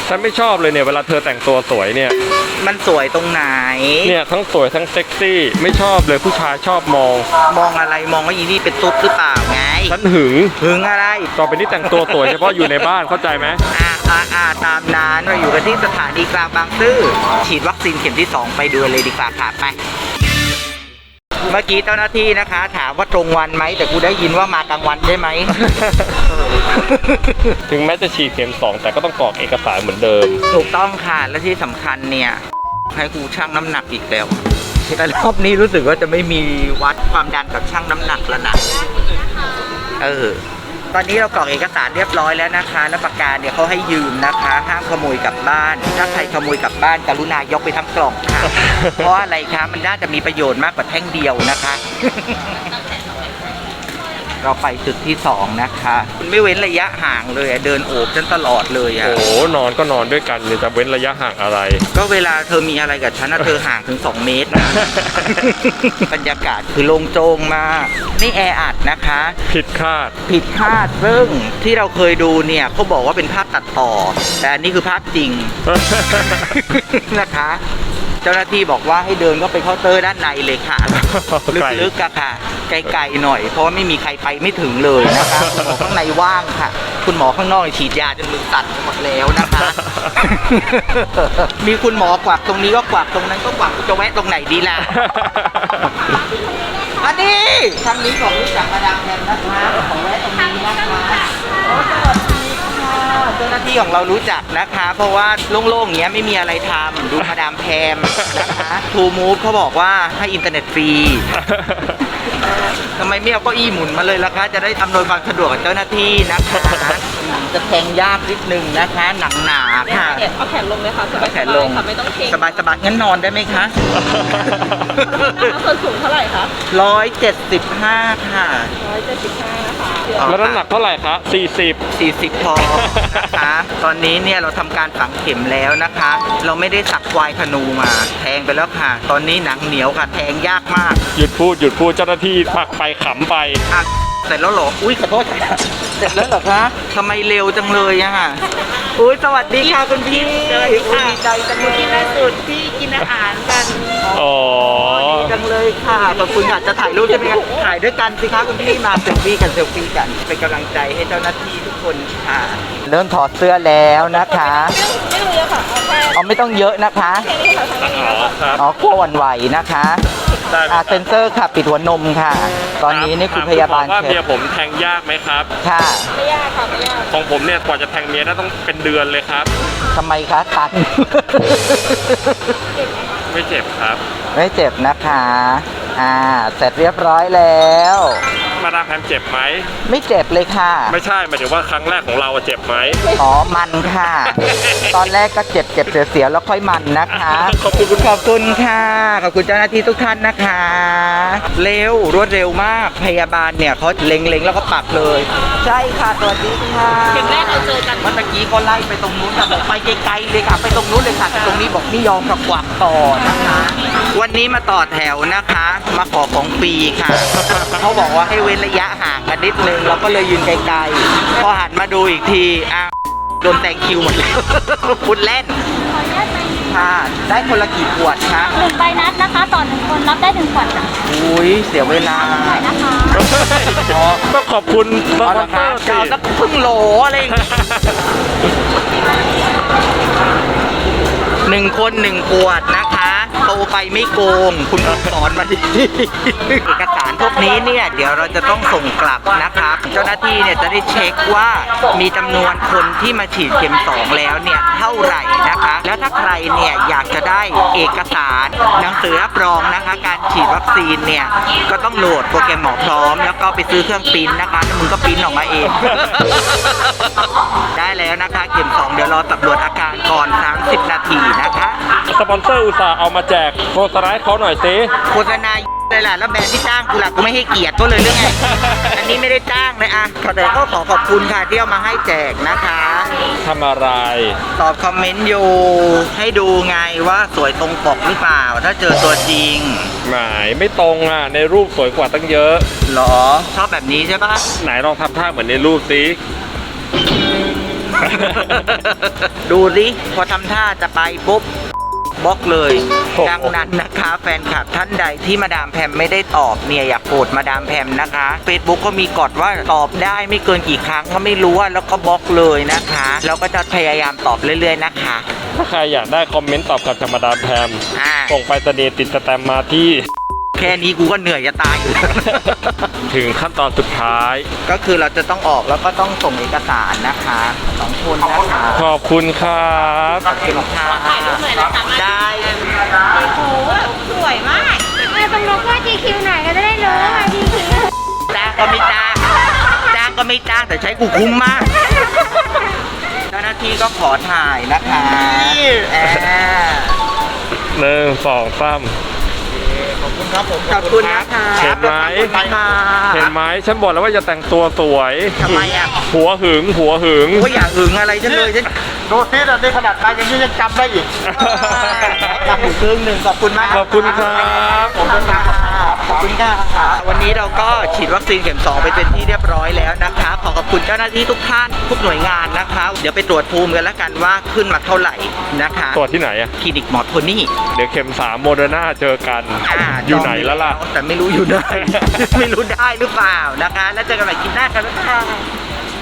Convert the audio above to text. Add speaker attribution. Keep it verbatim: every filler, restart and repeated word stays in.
Speaker 1: ฉันไม่ชอบเลยเนี่ยเวลาเธอแต่งตัวสวยเนี่ย
Speaker 2: มันสวยตรงไหน
Speaker 1: เนี่ยทั้งสวยทั้งเซ็กซี่ไม่ชอบเลยผู้ชายชอบมอง
Speaker 2: มองอะไรมองว่าอีนี่เป็นตุ๊ดหรือเปล่าไง
Speaker 1: ฉันหึง
Speaker 2: หึงอะไร
Speaker 1: ต่อไปนี้แต่งตัวสวยเฉพาะอยู่ในบ้านเข้าใจไหม
Speaker 2: อ่าอ่าอ่าตามนั้นเราอยู่กันที่สถานีกลางบางซื่อฉีดวัคซีนเข็มที่สองไปดูเลยดีกว่าค่ะไปเมื่อกี้เจ้าหน้าที่นะคะถามว่าตรงวันไหมแต่กูได้ยินว่ามากลางวันใช่ไหม
Speaker 1: ถึงแม้จะฉีดเข็มสองแต่ก็ต้องกรอกเอกสารเหมือนเดิม
Speaker 2: ถูกต้องค่ะและที่สำคัญเนี่ยให้กูชั่งน้ำหนักอีกแล้วแต่รอบนี้รู้สึกว่าจะไม่มีวัดความดันกับชั่งน้ำหนักแล้วนะเออตอนนี้เรากรอกเอกสารเรียบร้อยแล้วนะคะแล้วปากกาเนี่ยเขาให้ยืมนะคะห้ามขโมยกลับบ้านถ้าใครขโมยกลับบ้านกรุณายกไปทั้งกล่องค่ะ เพราะอะไรคะมันน่าจะมีประโยชน์มากกว่าแท่งเดียวนะคะ เราไปจุดที่สองนะคะไม่เว้นระยะห่างเลยเดินโอบฉันตลอดเลยอะ
Speaker 1: โอ้นอนก็นอนด้วยกันเลยจะเว้นระยะห่างอะไร
Speaker 2: ก็เวลาเธอมีอะไรกับฉันนะเธอห่างถึงสองเมตรนะ บรรยากาศคือโล่งโจงมากนี่แออัดนะคะ
Speaker 1: ผิดคาด
Speaker 2: ผิดคาดซึ่งที่เราเคยดูเนี่ยเขาบอกว่าเป็นภาพตัดต่อแต่อันนี้คือภาพจริง นะคะเจ้าหน้าที่บอกว่าให้เดินก็ไปเคาน์เตอร์ด้านในเลยค่ะลึกๆอะค่ะไกลๆหน่อยเพราะว่าไม่มีใครไปไม่ถึงเลยนะคะคุณหมอข้างในว่างค่ะคุณหมอข้างนอกฉีดยาจนมือสั่นหมดแล้วนะคะ มีคุณหมอกวักตรงนี้ก็กวักตรงนั้นก็กวักจะแวะตรงไหนดีล่ะ อันนี้ทางนี้ของรู้จักมาดามแพมนะคะของแวะตรงนี้นะคะเจ้าหน้าที่ของเรารู้จักนะคะเพราะว่าโล่งๆอย่างเงี้ยไม่มีอะไรทำดูมาดามแพมนะคะทูมูฟเขาบอกว่าให้อินเทอร์เน็ตฟรีทำไมไม่เอาเก้าอี้หมุนมาเลยล่ะคะจะได้อำนวยความสะดวกกับเจ้าหน้าที่นะคะจะแทงยากนิดนึงนะคะหนังหนาค่ะ
Speaker 3: เอาแขนลงเลยค่ะสบาย
Speaker 2: แขนลง
Speaker 3: ไม่ต้องเกรง
Speaker 2: สบายสบายงั้นนอนได้ไหมคะ
Speaker 3: ส่วนสูงเท่าไหร่คะ
Speaker 2: ร้อยเจ็ดสิบห้าค่ะ
Speaker 3: ร้อยเจ็ดสิบห้านะคะ
Speaker 1: แล้วน้ำหนักเท่าไหร่คะสี่สิบ
Speaker 2: สี่สิบพอนะคะตอนนี้เนี่ยเราทำการฝังเข็มแล้วนะคะเราไม่ได้สักควายธนูมาแทงไปแล้วค่ะตอนนี้หนังเหนียวค่ะแทงยากมาก
Speaker 1: หยุดพูดหยุดพูดเจ้าหน้าที่ปักไปขำไป
Speaker 2: อ่ะเสร็จแล้วเหรออุ้ยขอโทษเสร็จแล้วเหรอคะทำไมเร็วจังเลยอะค่ะอุ้ยสวัสดีค่ะคุณพี่
Speaker 3: สวัสดีค่ะ
Speaker 2: ดีใจจังเลย
Speaker 3: ที่ล่าสุดที่กินอาหารกัน
Speaker 1: อ๋อ
Speaker 2: ดีจังเลยค่ะขอบคุณค่ะจะถ่ายรูปใช่ไหมคะถ่ายด้วยกันสิคะคุณพี่มาเซลฟี่กันเซลฟี่กันเป็นกำลังใจให้เจ้าหน้าที่ทุกคนค่ะเริ่มถอดเสื้อแล้วนะคะ
Speaker 3: ไม่ต้องเยอะค่ะ
Speaker 2: อ๋อไม่ต้องเยอะนะคะ
Speaker 1: อ๋อครับ
Speaker 2: อ๋อกลัวหวั่นไหวนะคะอ่าเซนเซอร์ค่ะปิดหัวนมค่ะตอนนี้นี่คุณพยาบาล
Speaker 1: ว่าเมียผมแทงยากไหมครับ
Speaker 2: ค่ะ
Speaker 3: ไม่ยากค่ะไม่ยาก
Speaker 1: ของผมเนี่ยกว่าจะแทงเมียได้ต้องเป็นเดือนเลยครับ
Speaker 2: ทำไมคะตัน
Speaker 1: ไม่เจ็บครับ
Speaker 2: ไม่เจ็บนะคะอ่าเสร็จเรียบร้อยแล้ว
Speaker 1: มาดามแพมเจ็บไหม
Speaker 2: ไม่เจ็บเลยค่ะ
Speaker 1: ไม่ใช่หมายถึงว่าครั้งแรกของเราเจ็บไหม
Speaker 2: อ๋อมันค่ะตอนแรกก็เจ็บเจ็บเสียวๆแล้วค่อยมันนะคะ
Speaker 1: ขอบคุณ
Speaker 2: ขอบคุณค่ะขอบคุณเจ้าหน้าที่ทุกท่านนะคะเร็วรวดเร็วมากพยาบาลเนี่ยเขาเล็งๆแล้วก็ปักเลยใช่ค่ะสวัสดีค่ะ
Speaker 3: เข็มแรกเราเจอกัน
Speaker 2: เมื่อกี้ก็ไล่ไปตรงนู้นค่ะบอกไปไกลๆเลยค่ะไปตรงนู้นเลยค่ะแต่ตรงนี้บอกไม่ยอมกับกวักต่อนะคะวันนี้มาต่อแถวนะคะมาขอของฟรีค่ะเขาบอกว่าให้เว้นระยะห่างกันนิดนึงเราก็เลยยืนไกลๆพอหันมาดูอีกทีอ้าวโดนแซงคิวหมดแล้วพูดเล่นค่ะได้คนละกี่ขวดคะ
Speaker 4: หนึ่งใบนัดนะคะต่อหนึ่งคนรับได้หนึ่งขวดค่ะ
Speaker 2: อุ้ยเสียเวลา
Speaker 4: นะคะ
Speaker 1: ก็ขอบคุณ
Speaker 2: สปอนเซอร์สิสักครึ่งโหลอะไรหนึ่งคนหนึ่งขวดนะคะโตไปไม่โกงคุณสอนมาดีเอกสารพวกนี้เนี่ยเดี๋ยวเราจะต้องส่งกลับนะครับเจ้าหน้าที่เนี่ยจะได้เช็คว่ามีจำนวนคนที่มาฉีดเข็มสองแล้วเนี่ยเท่าไหร่นะคะแล้วถ้าใครเนี่ยอยากจะได้เอกสารหนังสือรับรองนะคะการฉีดวัคซีนเนี่ยก็ต้องโหลดโปรแกรมหมอพร้อมแล้วก็ไปซื้อเครื่องปริ้นนะคะแล้วมึงก็ปริ้นออกมาเอง ได้แล้วนะคะเข็มสองเดี๋ยวรอตรวจอาการก่อนสามสิบนาทีนะคะ
Speaker 1: สปอนเซอร์อุตส่าห์เอามาแจกโฆษณาให้เขาหน่อยสิ
Speaker 2: โฆษณาเลยล่ะแล้วแบรนด์ที่จ้างกูล่ะกูไม่ให้เกียรติก็เลยเรื่องไง อันนี้ไม่ได้จ้างเลยอ่ะแต่ก็ขอขอบคุณค่ะที่เอามาให้แจกนะคะ
Speaker 1: ทำอะไร
Speaker 2: ตอบคอมเมนต์อยู่ให้ดูไงว่าสวยตรงปกหรือเปล่าถ้าเจอตัวจริง
Speaker 1: หมายไม่ตรงอ่ะในรูปสวยกว่าตั้งเยอะ
Speaker 2: หรอชอบแบบนี้ใช่ปะ
Speaker 1: ไหนลองทำท่าเหมือนในรูปสิ
Speaker 2: ดูดิพอทำท่าจะไปปุ๊บบล็อกเลย
Speaker 1: โอ้โห
Speaker 2: ดังนั้นนะคะแฟนคลับท่านใดที่มาดามแพมไม่ได้ตอบเนี่ยอย่าโกรธมาดามแพมนะคะ Facebook ก็มีกฎว่าตอบได้ไม่เกินกี่ครั้งก็ไม่รู้ว่าแล้วก็บล็อกเลยนะคะแล้วก็จะพยายามตอบเรื่อยๆนะคะ
Speaker 1: ถ้าใครอยากได้คอมเมนต์ตอบกลับจากมาดามแพม
Speaker 2: อ่า
Speaker 1: ส่งไปสเดติดสแตมป์มาที่
Speaker 2: แค่นี้กูก็เหนื่อยจะตายอยู่แล้ว
Speaker 1: ถึงขั้นตอนสุดท้าย
Speaker 2: ก็คือเราจะต้องออกแล้วก็ต้องส่งเอกสารนะคะสองคนนะคะ
Speaker 1: ขอบคุณครับ
Speaker 2: ขอบคุณค่ะ
Speaker 3: ถ่ายรูปหน่อยนะคะ
Speaker 2: ได้
Speaker 3: โอ้โหสวยมาก
Speaker 4: มาตรงลงว่า จี คิว ไหนก็จะได้รู้ว่า จี คิว
Speaker 2: จ้างก็ไม่จ้างจ้างก็ไม่จ้างแต่ใช้กูคุ้มมากเจ้าหน้าที่ก็ขอถ่ายนะคะแอบ
Speaker 1: หนึ่งสองสาม
Speaker 2: ขอบคุณครับผมขอบคุณนะคะ
Speaker 1: เห็นไหม
Speaker 2: ค่ะ
Speaker 1: เห็นไหมฉันบอกแล้วว่าจะแต่งตัวสวย
Speaker 2: ทำไมอ่ะ
Speaker 1: หัวหึงหัวหึง
Speaker 2: ก็อย่าหึงอะไรฉันเลยฉัน
Speaker 5: โดนที่นี่ขนาดตายยังยังจำได้อีก
Speaker 2: จำอยู่ครึ่งหนึ่งขอบคุณมาก
Speaker 1: ขอบคุณครับ
Speaker 2: ขอบคุณค่ะขอบคุณค่ะวันนี้เราก็ฉีดวัคซีนเข็มสองไปเป็นที่เรียบร้อยแล้วนะคะ ขอขอบคุณเจ้าหน้าที่ทุกท่านทุกหน่วยงานนะคะ เดี๋ยวไปตรวจภูมิกันแล้วกันว่าขึ้นมาเท่าไหร่นะคะ
Speaker 1: ตัวที่ไหนอะ
Speaker 2: คลินิกหมอโทนี่
Speaker 1: เดี๋ยวเข็มสามโมเดอร์นาเจอกัน
Speaker 2: อ่า
Speaker 1: อยู่ไหนแล้วล่ะ
Speaker 2: แต่ไม่รู้อยู่ไหน ไม่รู้ได้หรือเปล่านะคะ แล้วเจอกันใหม่คลิปหน้ากันแล้วค่ะ